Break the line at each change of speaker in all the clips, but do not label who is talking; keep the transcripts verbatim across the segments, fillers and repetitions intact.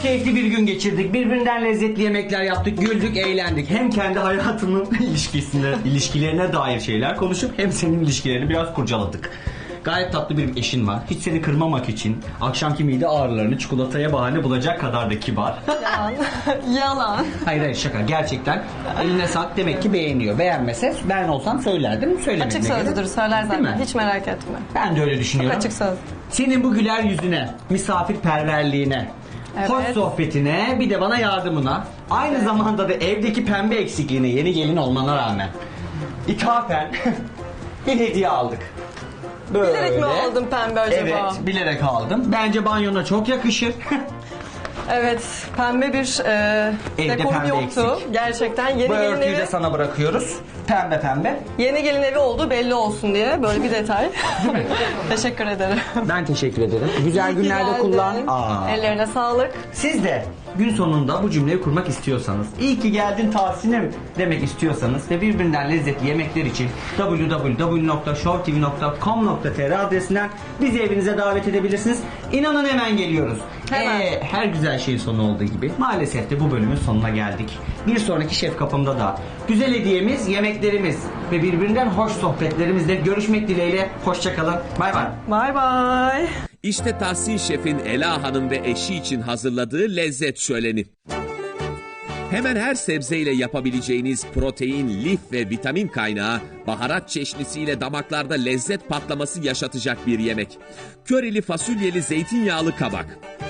Çok keyifli bir gün geçirdik. Birbirinden lezzetli yemekler yaptık, güldük, eğlendik. Hem kendi hayatımın ilişkisine, ilişkilerine dair şeyler konuşup hem senin ilişkilerini biraz kurcaladık. Gayet tatlı bir eşin var. Hiç seni kırmamak için akşamki mide ağrılarını çikolataya bahane bulacak kadar da kibar.
Yalan. Yalan.
Hayır hayır şaka. Gerçekten eline sağlık, demek ki beğeniyor. Beğenmese ben olsam söylerdim. Söylemediğine
Açık sözlüdür,
göre.
söyler
Değil mi?
zaten. Hiç merak etme.
Ben de öyle düşünüyorum.
Açık söz.
Senin bu güler yüzüne, misafirperverliğine,
Evet.
hoş sohbetine, bir de bana yardımına, aynı zamanda da evdeki pembe eksikliğine yeni gelin olmana rağmen ithafen bir hediye aldık. Böyle.
Bilerek mi aldın pembe acaba?
Evet, bilerek aldım. Bence banyona çok yakışır.
Evet, pembe bir e,
Evde
dekorum
pembe
yoktu.
eksik.
Gerçekten yeni
Bu
gelin
örtüyü
evi,
de sana bırakıyoruz. Pembe pembe.
yeni gelin evi oldu belli olsun diye böyle bir detay. Teşekkür ederim.
Ben teşekkür ederim. Güzel
İyi ki
günlerde
geldin.
kullan. Aa.
Ellerine sağlık.
Siz de gün sonunda bu cümleyi kurmak istiyorsanız, iyi ki geldin Tahsin'im demek istiyorsanız ve birbirinden lezzetli yemekler için double-u double-u double-u nokta show t v nokta com nokta t r adresinden bizi evinize davet edebilirsiniz. İnanın hemen geliyoruz.
Hemen.
Ee, her güzel şeyin sonu olduğu gibi maalesef de bu bölümün sonuna geldik. Bir sonraki Şef Kapım'da da güzel hediyemiz, yemeklerimiz ve birbirinden hoş sohbetlerimizle görüşmek dileğiyle. Hoşçakalın. Bay bay.
Bay bay.
İşte Tahsin Şef'in Ela Hanım ve eşi için hazırladığı lezzet şöleni. Hemen her sebzeyle yapabileceğiniz protein, lif ve vitamin kaynağı, baharat çeşnisiyle damaklarda lezzet patlaması yaşatacak bir yemek. Körili fasulyeli zeytinyağlı kabak.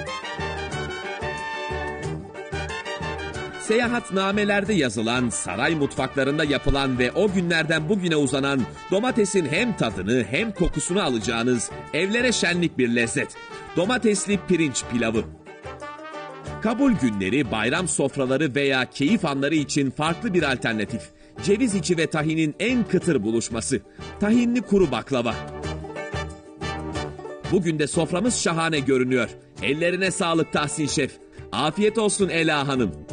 Seyahatnamelerde yazılan, saray mutfaklarında yapılan ve o günlerden bugüne uzanan domatesin hem tadını hem kokusunu alacağınız evlere şenlik bir lezzet. Domatesli pirinç pilavı. Kabul günleri, bayram sofraları veya keyif anları için farklı bir alternatif. Ceviz içi ve tahinin en kıtır buluşması. Tahinli kuru baklava. Bugün de soframız şahane görünüyor. Ellerine sağlık Tahsin Şef. Afiyet olsun Ela Hanım.